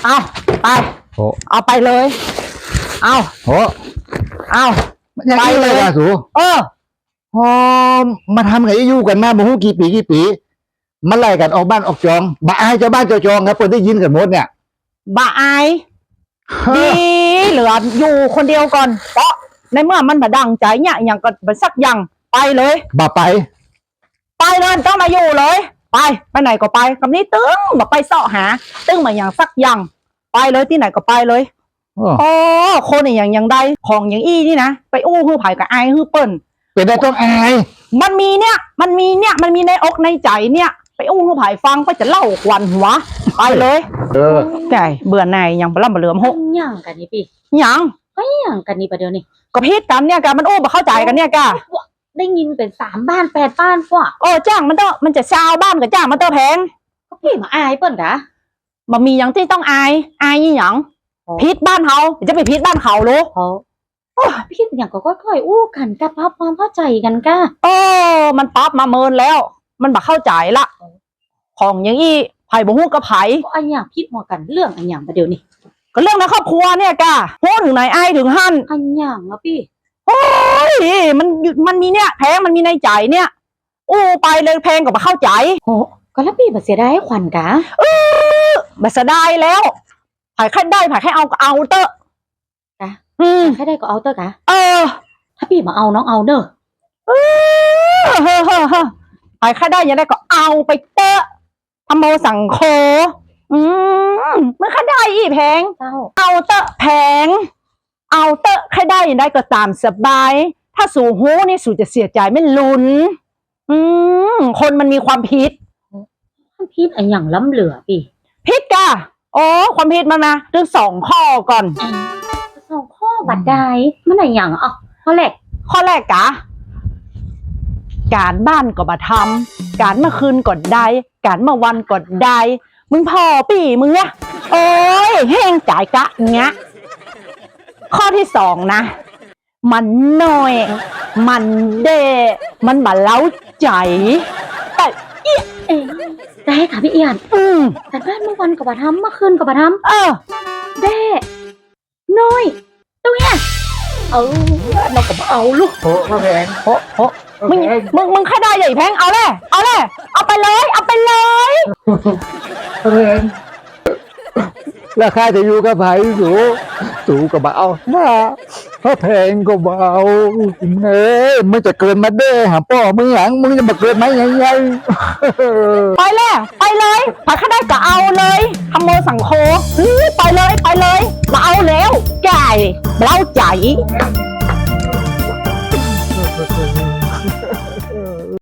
เอาไปเอาไปเลยเอาไปเลยสูมาทำไงอยู่กันมาบ่ฮู้กี่ปีมันไล่กันออกบ้านออกจองบ่อายเจ้าบ้านเจ้าจองครับเพิ่นได้ยินกันหมดเนี่ยบ่อายดีเหลืออยู่คนเดียวก่อนเพราะในเมื่อมันบ่ดังใจเนี่ยอย่างก็บ่สักอย่างไปเลยบ่ไปเลยต้องมาอยู่เลยไปไหนก็ไปคำนี้ตึ้งบ่ไปเสาะหาตึ้งมาอย่างสักอย่างไปเลยที่ไหนก็ไปเลยอ๋อคนอย่างใดของอย่างอี้นี่นะไปอู้ฮือไผ่กับอายฮือเปิ้นเป็นได้ต้องอายมันมีในอกในใจเนี่ยไปอู้ฮือไผ่ฟังก็จะเล่าควันหัวไปเลยไก่เบื่อหน่ายยังปลาเหลือมหกยังกันนี่พี่ยังก็ยังกันนี่ประเดี๋ยวนี้ก็พิษกันเนี่ยกะมันอู้มาเข้าใจกันเนี่ยกะได้ยินเป็น3 บ้าน8 บ้านกว่าจ้างมันจะชาวบ้านกับจ้างมันแพงก็พี่มาอายเปิ้นกะมันมีอย่างที่ต้องอายยี่หยังพิษบ้านเขาจะไปพิษบ้านเขาลูกพี่อย่างก็ค่อยๆอู้กันกับพับความเข้าใจกันก้ามันปั๊บมาเมินแล้วมันบักเข้าใจละของอย่างอี้ไผ่บ่ฮู้กับไผ่อันอย่างพิษหัวกันเรื่องอันอย่างประเดี๋ยวนี้ก็เรื่องในครอบครัวเนี่ยกะโหถึงไหนอายถึงหั่นอันอย่างอะพี่โอ้ยมันมีเนี่ยแพงมันมีในใจเนี่ยอู้ไปเลยแพงกว่าเข้าใจก็แล้วพี่บัเสียดายขวัญกะบัเสียดายแล้วไผ่แค่ได้ไผ่แค่เอาเตอะกะแค่ได้ก็เอาเตอะกะถ้าพี่มาเอาน้องเอาเนอะไผ่แค่ได้ยังได้ก็เอาไปเตอะทำโมสั่งโคมันแค่ได้อีแพงเอาเตอะแพงเอาเตอะแค่ได้ยังได้ก็ตามสบายถ้าสู่หูนี่สู่จะเสียใจไม่ลุ้นคนมันมีความผิดอันอย่างล้ำเหลือพี่ผิดกะความผิดมันนะเรื่อง2 ข้อก่อน 2 ข้อบัดใดมันอะไรอย่างข้อแรกกะการบ้านก็มาทำการเมื่อคืนก็ได้การเมื่อวันก็ได้มึงพอปีมึงอะแห้งจ่ายกะเงี้ยข้อที่2นะมันน้อยมันเดมันบาเล้าใจแต่ได้ค่ะพี่เอียนแต่บ้านเมื่อวันกับมาทำเมื่อคืนกับมาทำเด้น้อยตรงเนี้ยเราก็เอาลูกแพงมึงแค่ได้ใหญ่แพงเอาไปเลยแพงราคาจะอยู่กับไผ่สูกับเบาถ้าแพงก็เบามึงจะเกินมาเด้หาพ่อมึงหลังมึงจะมาเกินไหมยังไงไปเลยถ้าได้ก็เอาเลยทำโมสั่งโคไปเลยมาเอาแล้วไก่เล่าใจ